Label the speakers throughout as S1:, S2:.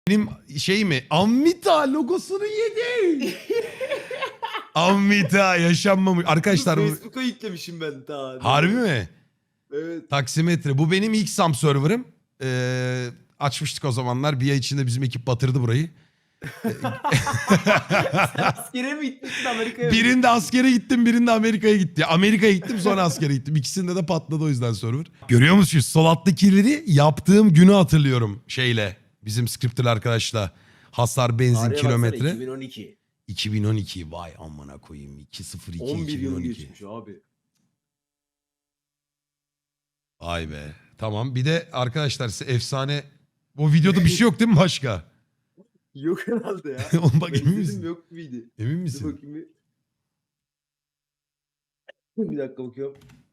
S1: Benim şey mi? Amvita logosunu yedi. Amvita yaşanmamış. Arkadaşlar bu...
S2: Facebook'a yüklemişim ben ta.
S1: Harbi mi?
S2: Evet.
S1: Taksimetre. Bu benim ilk SAM server'ım. Açmıştık o zamanlar. Bir ay içinde bizim ekip batırdı burayı.
S2: Askere mi gitmişsin Amerika'ya?
S1: Birinde askere gittim, birinde Amerika'ya gitti. Amerika'ya gittim, sonra askere gittim. İkisinde de patladı o yüzden server. Görüyor musunuz? Sol alttakileri yaptığım günü hatırlıyorum şeyle. Bizim scripter arkadaşla. Hasar, benzin,
S2: Tarihe
S1: kilometre.
S2: baksana, 2012.
S1: 2012 vay amına koyayım. 202
S2: 11 yıl
S1: 2012.
S2: geçmiş abi.
S1: Vay be. Tamam. Bir de arkadaşlar size efsane... Bu videoda bir şey yok değil mi başka?
S2: Yok herhalde ya.
S1: Oğlum bak
S2: Ben
S1: emin
S2: izledim,
S1: misin?
S2: yok muydu?
S1: Emin
S2: Dur
S1: misin?
S2: bakayım bir. Bir dakika bakıyorum.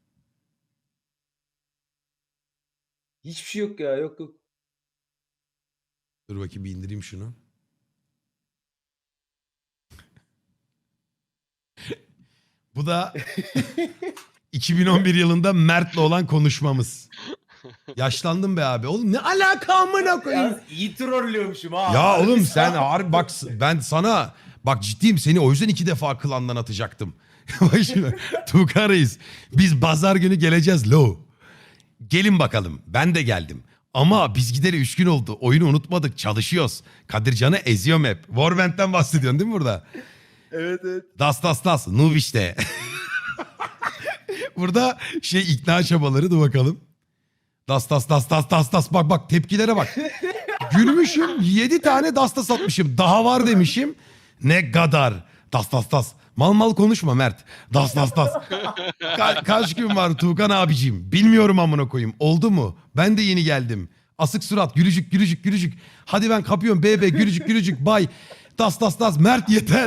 S2: Hiçbir şey yok ya, yok yok.
S1: Dur bakayım bir indireyim şunu. Bu da 2011 yılında Mert'le olan konuşmamız. Yaşlandım be abi. Oğlum ne alaka amına koyayım?
S2: Ya iyi trollüyormuşum ha.
S1: Ya
S2: Harbi
S1: oğlum
S2: sağ
S1: sen
S2: ol.
S1: harbi bak ben sana bak ciddiyim seni o yüzden 2 defa klandan atacaktım. Bak şimdi Tuğkan Reis biz pazar günü geleceğiz lo. Gelin bakalım ben de geldim. Ama biz gideri 3 gün oldu. Oyunu unutmadık çalışıyoruz. Kadircan'ı eziyorum hep. Warband'den bahsediyorsun değil mi burada?
S2: Evet evet.
S1: Das noob işte. Burada şey ikna çabaları dur bakalım. Das bak tepkilere bak. Gülmüşüm 7 tane das atmışım. Daha var demişim. Ne kadar. Das. Mal konuşma Mert. Das. Kaç gün var Tuğkan abiciğim? Bilmiyorum amına koyayım. Oldu mu? Ben de yeni geldim. Asık surat gülücük. Hadi ben kapıyorum bebe gülücük bay. Das. Mert yeter.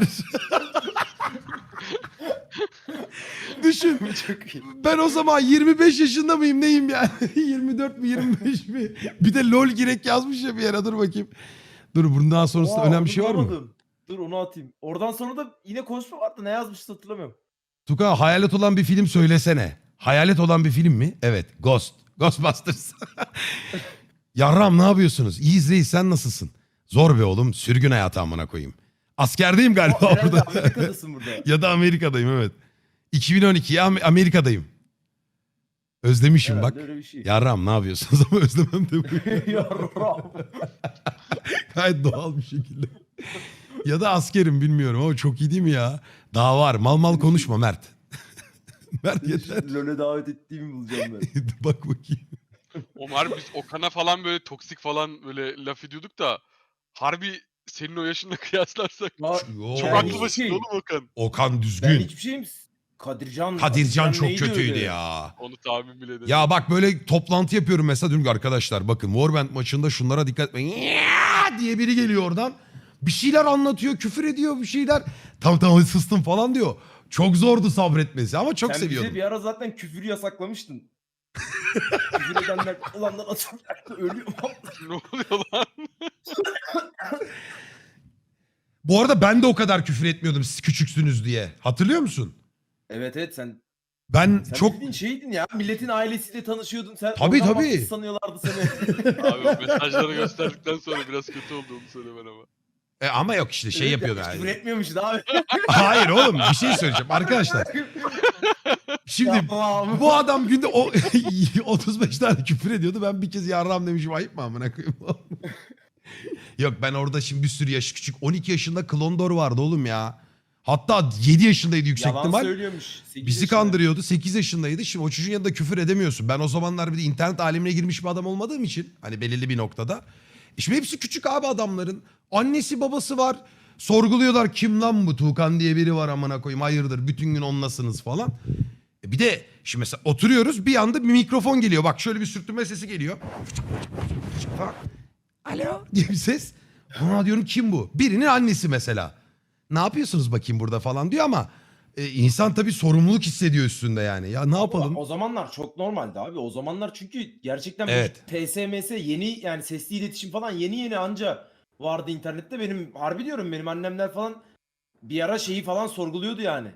S1: Düşün.
S2: Çok iyi.
S1: Ben o zaman 25 yaşında mıyım neyim yani? 24 mi 25 mi? Bir de lol girek yazmış ya bir yere dur bakayım. Dur bundan sonrasında
S2: Aa,
S1: önemli
S2: onu
S1: bir şey var mı?
S2: bulamadım. Dur onu atayım. Oradan sonra da yine konuşma vardı. Ne yazmıştı hatırlamıyorum.
S1: Tuka hayalet olan bir film söylesene. Hayalet olan bir film mi? Evet. Ghostbusters. Yarram ne yapıyorsunuz? İyiyiz reis sen nasılsın? Zor be oğlum sürgün hayatı amına koyayım. Askerdeyim galiba
S2: Aa, herhalde
S1: orada.
S2: Amerika'dasın burada.
S1: Ya da Amerika'dayım evet. 2012 ya Amerika'dayım. Özlemişim
S2: Herhalde
S1: bak.
S2: öyle bir şey.
S1: Yarram ne yapıyorsunuz ama özlemem de bu.
S2: Yarram.
S1: Gayet doğal bir şekilde. Ya da askerim bilmiyorum ama çok iyi değil mi ya? Daha var. Mal konuşma Mert. Mert yeter.
S2: LoL'e davet ettiğimi bulacağım ben.
S1: Bak bakayım.
S3: Omar biz Okan'a falan böyle toksik falan böyle laf ediyorduk da harbi senin o yaşınla kıyaslarsak
S2: Aa,
S1: Yo.
S3: çok
S2: ben
S3: aklı
S2: hiçbir
S3: başında
S2: şey-
S3: oğlum Okan.
S1: Okan
S2: Ben
S1: düzgün.
S2: hiçbir şeyim.
S1: Kadircan çok
S2: neydi
S1: kötüydü
S2: öyle?
S1: ya.
S3: Onu tahmin bile edemedim.
S1: Ya bak böyle toplantı yapıyorum mesela diyorum ki arkadaşlar bakın Warband maçında şunlara dikkat etmeyin. Ya diye biri geliyor oradan. Bir şeyler anlatıyor, küfür ediyor bir şeyler. Tamam sustum falan diyor. Çok zordu sabretmesi ama çok
S2: Sen
S1: seviyordum.
S2: bize bir ara zaten küfürü yasaklamıştın. Küfür edenler ulandan atacaktı ölüyor.
S3: Ne oluyor lan?
S1: Bu arada ben de o kadar küfür etmiyordum siz küçüksünüz diye. Hatırlıyor musun?
S2: Evet sen
S1: Ben
S2: sen
S1: çok...
S2: bildiğin şeydin ya. Milletin ailesiyle tanışıyordun. Sen
S1: Tabii,
S2: oradan
S1: tabii.
S2: mahsus sanıyorlardı seni.
S3: Abi o mesajları gösterdikten sonra biraz kötü oldu onu söylemen ama.
S1: Ama yok işte şey
S2: Evet,
S1: yapıyordu.
S2: hiç
S1: Yani.
S2: Küfür etmiyormuşsun abi.
S1: Hayır oğlum bir şey söyleyeceğim arkadaşlar. Şimdi
S2: Tamam.
S1: bu adam günde 35 tane küfür ediyordu. Ben bir kez yarram demişim ayıp mı amına koyayım? Yok ben orada şimdi bir sürü yaş küçük. 12 yaşında Klondor vardı oğlum ya. Hatta 7 yaşındaydı yüksek
S2: Yalan
S1: ihtimal.
S2: söylüyormuş. 8
S1: Bizi
S2: yaşında.
S1: kandırıyordu. 8 yaşındaydı. Şimdi o çocuğun yanında küfür edemiyorsun. Ben o zamanlar bir de internet alemine girmiş bir adam olmadığım için. Hani belirli bir noktada. Şimdi hepsi küçük abi adamların. Annesi babası var. Sorguluyorlar kim lan bu Tuğkan diye biri var amına koyayım. Hayırdır bütün gün onlasınız falan. Bir de şimdi mesela oturuyoruz bir anda bir mikrofon geliyor. Bak şöyle bir sürtünme sesi geliyor. Falan. Alo diye bir ses. Buna diyorum kim bu? Birinin annesi mesela. Ne yapıyorsunuz bakayım burada falan diyor ama insan tabii sorumluluk hissediyor üstünde yani. Ya ne yapalım?
S2: O zamanlar çok normaldi abi. O zamanlar çünkü gerçekten
S1: Evet.
S2: bu TSMS yeni yani sesli iletişim falan yeni anca vardı internette. Benim harbi diyorum benim annemler falan bir ara şeyi falan sorguluyordu yani.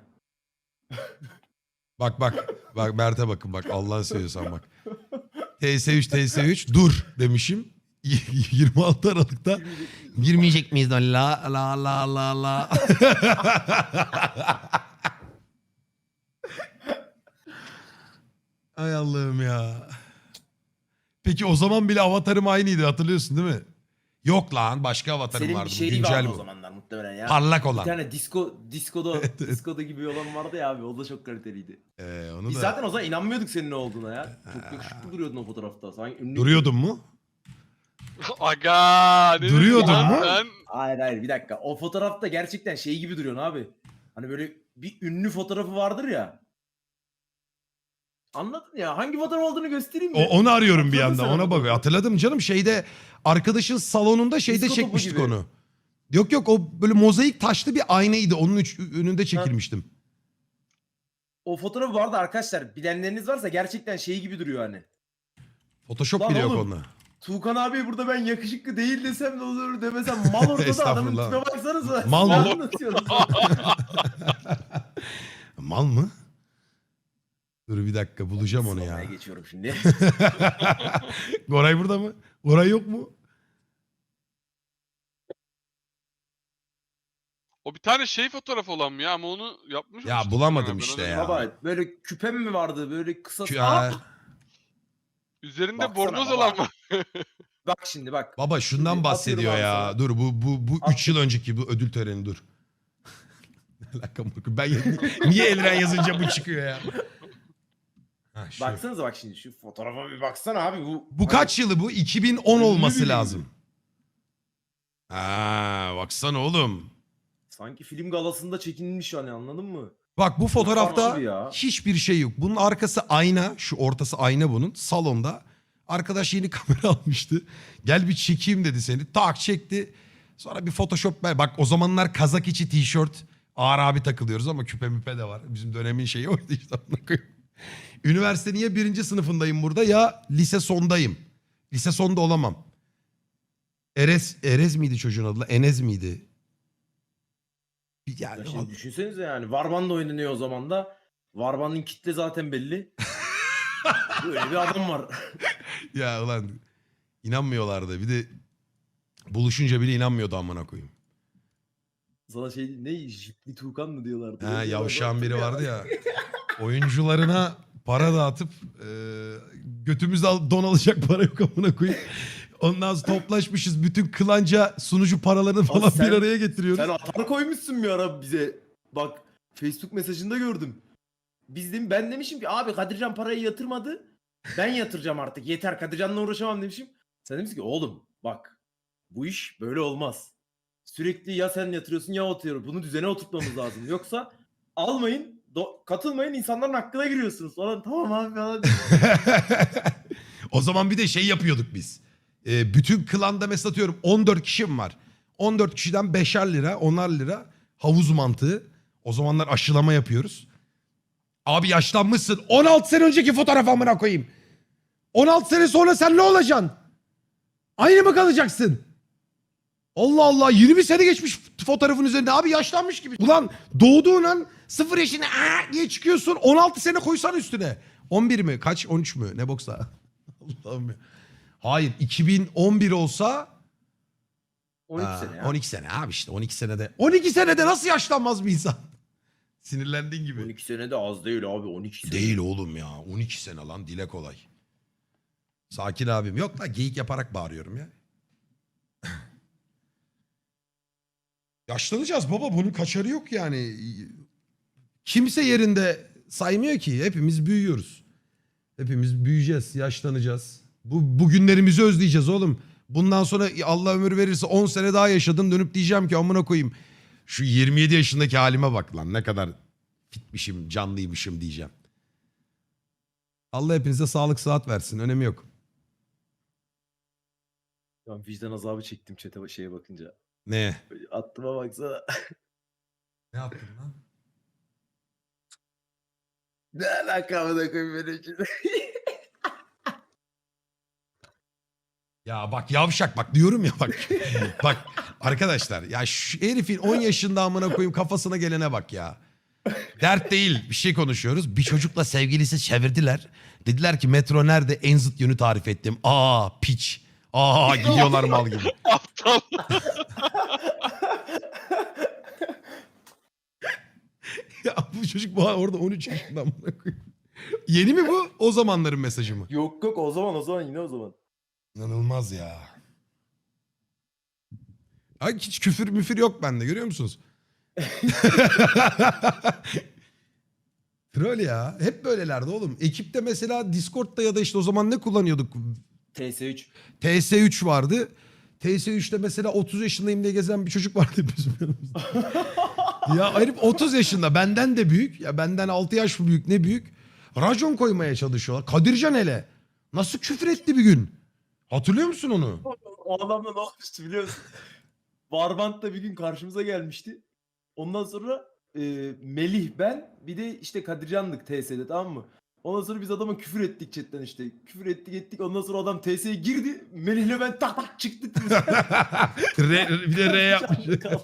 S1: Bak Mert'e bakın bak Allah'ını seviyorsan bak. TS3 dur demişim. 26 Aralık'ta girmeyecek miyiz lan? La la la la la. Ay Allah'ım ya. Peki o zaman bile avatarım aynıydı, hatırlıyorsun değil mi? Yok lan, başka avatarım
S2: Senin
S1: vardı.
S2: bir
S1: Bu
S2: şeyli
S1: güncel
S2: vardı o
S1: bu.
S2: zamanlar muhtemelen ya.
S1: Parlak
S2: Bir
S1: olan.
S2: tane diskoda gibi bir olan vardı ya abi. O da çok kaliteliydi.
S1: Onu
S2: Biz
S1: da
S2: zaten o zaman inanmıyorduk senin ne olduğuna ya. Çok yakışıklı duruyordun o fotoğrafta. Sanki ünlü.
S1: duruyordun mu?
S3: Aga ne
S1: Duruyordun
S3: diyorsun lan
S1: mu?
S3: sen?
S2: Hayır bir dakika. O fotoğrafta gerçekten şey gibi duruyorsun abi. Hani böyle bir ünlü fotoğrafı vardır ya. Anladın ya. Hangi fotoğraf olduğunu göstereyim mi?
S1: Onu arıyorum bir
S2: Hatırladın
S1: anda,
S2: sen
S1: ona
S2: onu.
S1: bak. Hatırladım canım, şeyde arkadaşın salonunda şeyde
S2: Disko topu
S1: çekmiştik
S2: gibi.
S1: onu. Yok o böyle mozaik taşlı bir aynaydı, onun önünde çekilmiştim.
S2: O fotoğrafı vardı arkadaşlar. Bilenleriniz varsa gerçekten şey gibi duruyor hani.
S1: Photoshop
S2: Lan
S1: bile yok
S2: oğlum.
S1: onda.
S2: Tuğkan abi burada ben yakışıklı değil desem ne olur demesem mal ortada adamın
S1: Estağfurullah.
S2: tipine baksanıza.
S1: Mal
S2: Ne
S1: mı?
S2: anlatıyorsunuz?
S1: Mal mı? Dur bir dakika, bulacağım onu ya.
S2: Sıralaya geçiyorum şimdi.
S1: Goray burada mı? Goray yok mu?
S3: O bir tane şey fotoğraf olan mı ya, ama onu yapmış
S1: Ya
S3: olmuştuk
S1: bulamadım
S3: ben
S1: işte
S3: öyle-
S1: ya.
S2: Baba böyle küpem mi vardı böyle kısa.
S1: Ya,
S3: Üzerinde
S2: Baksana
S3: bornoz
S2: baba.
S3: olan var.
S2: Bak şimdi bak.
S1: baba şundan
S2: Şimdi
S1: bahsediyor
S2: atıyorum
S1: ya.
S2: abi sana.
S1: Dur bu 3
S2: At.
S1: yıl önceki bu ödül töreni, dur. Ne alaka amına koyayım? Niye Elren yazınca bu çıkıyor ya? Ha, şu.
S2: Baksanıza bak şimdi şu fotoğrafa bir baksana abi
S1: Bu kaç yılı bu? 2010
S2: Ünlü
S1: olması
S2: biriydi.
S1: lazım. Ha, baksana oğlum.
S2: Sanki film galasında çekilmiş hani anladın mı?
S1: Bak bu fotoğrafta
S2: farklı ya.
S1: hiçbir şey yok. Bunun arkası ayna. Şu ortası ayna bunun. Salonda. Arkadaş yeni kamera almıştı. Gel bir çekeyim dedi seni. Tak çekti. Sonra bir Photoshop. Bak o zamanlar kazak içi tişört. Ağır abi takılıyoruz ama küpe müpe de var. Bizim dönemin şeyi oydu işte. Üniversite niye 1. sınıfındayım burada, ya lise sondayım. Lise sonda olamam. Erez miydi çocuğun adı? Enes miydi?
S2: Ya
S1: Yani
S2: şimdi düşünsenize yani Varban da oynanıyor o zaman da. Varban'ın kitle zaten belli. Böyle bir adam var.
S1: ya ulan inanmıyorlardı. Bir de buluşunca bile inanmıyordu amına koyayım.
S2: Sana şey ne Jipli Tuğkan mı diyorlardı?
S1: Ha,
S2: Öyle
S1: yavşağın biri
S2: diyorlardı.
S1: vardı ya. Oyuncularına para dağıtıp götümüzde don alacak para yok amına koyayım. Ondan sonra toplaşmışız. Bütün klanca sunucu paralarını falan
S2: sen-
S1: bir araya getiriyoruz.
S2: Sen atar koymuşsun bir ara bize. Bak Facebook mesajında gördüm. Ben demişim ki abi Kadircan parayı yatırmadı. Ben yatıracağım artık. Yeter Kadircan'la uğraşamam demişim. Sen demişsin ki oğlum bak bu iş böyle olmaz. Sürekli ya sen yatırıyorsun ya o atıyor. Bunu düzene oturtmamız lazım. Yoksa almayın, katılmayın insanların hakkına giriyorsunuz falan. Tamam abi falan.
S1: O zaman bir de şey yapıyorduk biz. Bütün klanda mesela atıyorum 14 kişim var. 14 kişiden 5'er lira, 10'ar lira havuz mantığı. O zamanlar aşılama yapıyoruz. Abi yaşlanmışsın. 16 sene önceki fotoğraf amına koyayım. 16 sene sonra sen ne olacaksın? Aynı mı kalacaksın? Allah Allah, 20 sene geçmiş fotoğrafın üzerinde. Abi yaşlanmış gibi. Ulan doğduğun an 0 yaşına diye çıkıyorsun. 16 sene koysan üstüne. 11 mi? Kaç? 13 mü? Ne boksa? Allah'ım ya. Hayır, 2011 olsa
S2: 12 sene ya.
S1: 12 sene abi işte, 12 senede. 12 senede nasıl yaşlanmaz bir insan? Sinirlendiğin gibi.
S2: 12 sene de az değil abi 12 sene.
S1: Değil oğlum ya. 12 sene lan, dile kolay. Sakin abim. Yok lan, geyik yaparak bağırıyorum ya. Yaşlanacağız baba, bunun kaçarı yok yani. Kimse yerinde saymıyor ki. Hepimiz büyüyoruz. Hepimiz büyüyeceğiz, yaşlanacağız. Bu günlerimizi özleyeceğiz oğlum. Bundan sonra Allah ömür verirse 10 sene daha yaşadım, dönüp diyeceğim ki amına koyayım. Şu 27 yaşındaki halime bak lan, ne kadar fitmişim, canlıymışım diyeceğim. Allah hepinize sağlık sıhhat versin, önemi yok.
S2: Ben vicdan azabı çektim chat'e şeye bakınca.
S1: Ne?
S2: Böyle attıma baksana.
S1: Ne yaptın lan?
S2: Ne alaka amına koyayım benim için.
S1: Ya bak yavşak, bak diyorum ya bak. Bak arkadaşlar ya, şu herifin 10 yaşında amına koyayım kafasına gelene bak ya. Dert değil, bir şey konuşuyoruz. Bir çocukla sevgilisi çevirdiler. Dediler ki metro nerede, en zıt yönü tarif ettim. Aa piç. Aa gidiyorlar mal gibi.
S3: Aptal.
S1: Ya bu çocuk orada 13 yaşında amına koyayım. Yeni mi bu? O zamanların mesajı mı?
S2: Yok yok o zaman yine o zaman.
S1: İnanılmaz ya. Ay hiç küfür müfür yok bende görüyor musunuz? Troll ya. Hep böylelerdi oğlum. Ekipte mesela Discord'da ya da işte o zaman ne kullanıyorduk?
S2: TS3.
S1: TS3 vardı. TS3'te mesela 30 yaşındayım diye gezen bir çocuk vardı bizim yanımızda. Ya herif 30 yaşında benden de büyük. Ya benden 6 yaş büyük ne büyük. Racon koymaya çalışıyorlar. Kadircan hele. Nasıl küfür etti bir gün? Hatırlıyor musun onu?
S2: O adamla ne olmuştu biliyor musun? Warband'da bir gün karşımıza gelmişti. Ondan sonra Melih ben bir de işte Kadircan'dık TS'de tamam mı? Ondan sonra biz adama küfür ettik chatten işte. Küfür ettik. Ondan sonra adam TS'ye girdi. Melih'le ben tak tak çıktık.
S1: Bir de R yapmış.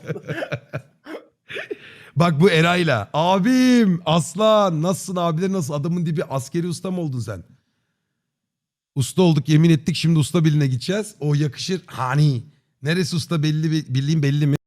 S1: Bak bu Eray'la. Abim aslan nasılsın abiler nasıl? Adamın dibi askeri usta mı oldun sen? Usta olduk yemin ettik şimdi usta birliğine gideceğiz. O yakışır. Hani. Neresi usta belli bildiğin belli mi?